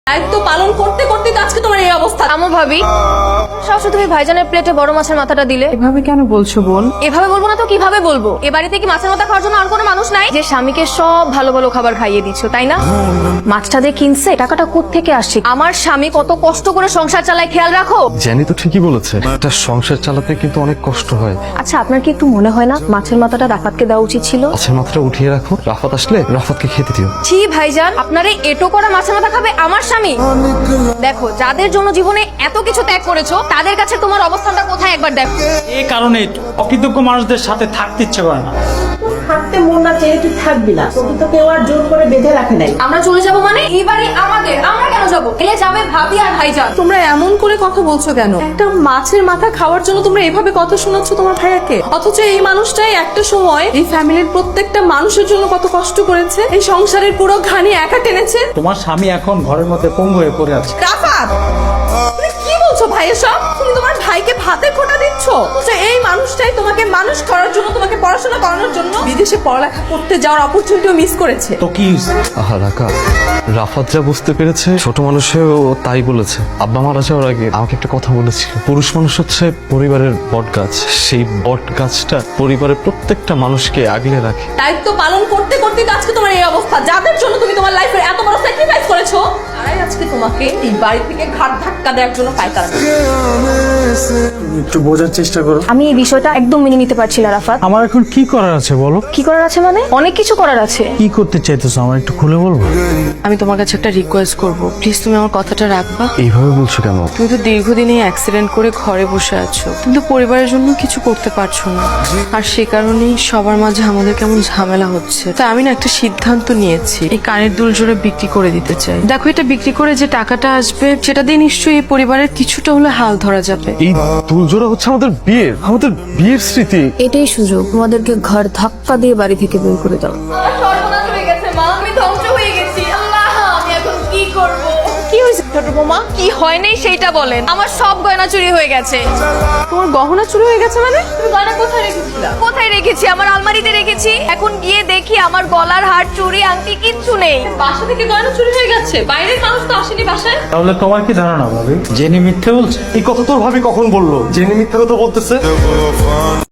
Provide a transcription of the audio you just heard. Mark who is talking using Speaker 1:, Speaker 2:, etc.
Speaker 1: দায়িত্ব পালন করতে করতে আজকে তোমার এই অবস্থা।
Speaker 2: আমো ভাবি, সবসময় তুমি ভাইজানের প্লেটে বড় মাছের মাথাটা দিলে।
Speaker 3: এভাবে কেন বলছো বোন?
Speaker 2: এভাবে বলবো না তো কিভাবে বলবো? এ বাড়িতে কি মাছের মাথা খাওয়ার জন্য আর কোনো মানুষ নাই? যে স্বামীকে সব ভালো ভালো খাবার খাইয়ে দিচ্ছ, তাই না? মাছটা যে কিনছে টাকাটা কোত্থেকে আসছে? আমার স্বামী কত কষ্ট করে সংসার চালায় খেয়াল রাখো।
Speaker 4: জানি তো, ঠিকই বলেছে, একটা সংসার চালাতে কিন্তু অনেক কষ্ট হয়।
Speaker 2: আচ্ছা, আপনার কি একটু মনে হয় না মাছের মাথাটা রাফাতকে দেওয়া উচিত ছিল?
Speaker 4: মাছের মাথাটা উঠিয়ে রাখো, রাফাত আসলে রাফাতকে খেতে দিও।
Speaker 2: ছি ভাইজান, আপনার এই এটো করা মাছের মাথা খাবে আমার স্বামী? দেখো, যাদের জন্য জীবনে এত কিছু ত্যাগ করেছো তাদের কাছে তোমার অবস্থানটা কোথায় একবার দেখো।
Speaker 5: এই কারণে অকৃতজ্ঞ মানুষদের সাথে থাকতে ইচ্ছে করে না।
Speaker 3: থাকতে মন না চেয়ে তুই থাকবি না, তোকে তো কেউ আর জোর করে বেঁধে রাখে নাই।
Speaker 2: আমরা চলে যাব মানে? এই বাড়ি আমাদের, আমরা কেন যাবো? এলে যাবে ভাবি আর ভাইজান।
Speaker 1: তোমরা এমন করে কথা বলছো কেন? একটা মাছের মাথা খাওয়ার জন্য তোমরা এভাবে কথা শোনাচ্ছ তোমার ভাইয়াকে, অথচ এই মানুষটাই একটা সময় এই ফ্যামিলির প্রত্যেকটা মানুষের জন্য কত কষ্ট করেছে, এই সংসারের পুরো ঘানি একা টেনেছে।
Speaker 5: তোমার স্বামী এখন ঘরের মধ্যে পঙ্গু হয়ে পড়ে আছে।
Speaker 1: রাফাত, তুমি কি বলছো ভাই এসব? তুমি তোমার ভাইকে ভাতে খোটা দিচ্ছ? বলছো এই মানুষটাই তোমাকে মানুষ করার জন্য, তোমাকে পড়াশোনা করানোর জন্য বিদেশে পড়ালেখা করতে যাওয়ার অপরচুনিটিও মিস করেছে।
Speaker 5: তো কি হয়েছে?
Speaker 4: আহা রাকা, রাফাত যা বুঝতে পেরেছে ছোট মানুষেও তাই বলেছে। আব্বা মারা যাওয়ার আগে আমাকে একটা কথা বলেছিল, পুরুষ মানুষ হচ্ছে পরিবারের বট গাছ, সেই বট গাছটা পরিবারের প্রত্যেকটা মানুষকে আগলে রাখে।
Speaker 1: দায়িত্ব পালন করতে করতে আজকে তোমার এই অবস্থা। যাদের জন্য তুমি তোমার লাইফের এত বড় স্যাক্রিফাইস করেছো, তারাই আজকে তোমাকে এই বাড়ি থেকে ঘাট ধাক্কা দেওয়ার জন্য পাইতারা।
Speaker 5: একটু বোঝার চেষ্টা করো।
Speaker 2: আমি এই বিষয়টা একদম মেনে নিতে পারছি না রাফাত।
Speaker 5: আমার এখন কি করার আছে বলো?
Speaker 2: কি করার আছে মানে? অনেক কিছু করার আছে।
Speaker 5: কি করতে চাইতেছো আমার একটু খুলে বলবো?
Speaker 6: আমি তোমার কাছে একটা রিকোয়েস্ট করব, প্লিজ তুমি আমার কথাটা রাখবা।
Speaker 4: এইভাবে বলছো কেন?
Speaker 6: তুমি তো দীর্ঘদিন এই অ্যাক্সিডেন্ট করে ঘরে বসে আছো, কিন্তু পরিবারের জন্য কিছু করতে পারছো না, আর সে কারণেই সবার মাঝে আমাদের কেমন ঝামেলা হচ্ছে। তাই আমি না একটা সিদ্ধান্ত নিয়েছি, এই কানের দুল জোড়া বিক্রি করে দিতে চাই। দেখো, এটা বিক্রি করে যে টাকাটা আসবে সেটা দিয়ে নিশ্চয়ই এই পরিবারের কিছুটা হলে হাল ধরা যাবে।
Speaker 4: এই দুলজোড়া হচ্ছে আমাদের বিয়ের স্মৃতি।
Speaker 2: এটাই সুযোগ, তোমাদেরকে ঘর ধাক্কা দিয়ে বাড়ি থেকে বের করে দাও। আমার সর্বনাশ হয়ে গেছে মা, আমি ধ্বংস হয়ে গেছি। আল্লাহ, আমি এখন কি করব? কি হয়েছে ছোট বৌমা? কি হয় নাই সেইটা বলেন। আমার সব গয়না চুরি হয়ে গেছে।
Speaker 1: তোমার গহনা চুরি হয়ে গেছে মানে?
Speaker 2: তুমি গয়না কোথায় রেখেছিলা? কোথায় রেখেছি? আমার আলমারিতে রেখেছি। এখন গিয়ে দেখি আমার গলার হার, চুড়ি, আংটি কিচ্ছু নেই।
Speaker 1: বাসা থেকে গয়না চুরি হয়ে গেছে, বাইরের মানুষ তো আসেনি বাসায়।
Speaker 5: তাহলে তোমার কি ধারণা ভাবি, জেনে মিথ্যে বলছে?
Speaker 4: এই কথা তোর ভাবি কখন বললো? জেনে মিথ্যা কথা বলতেছে।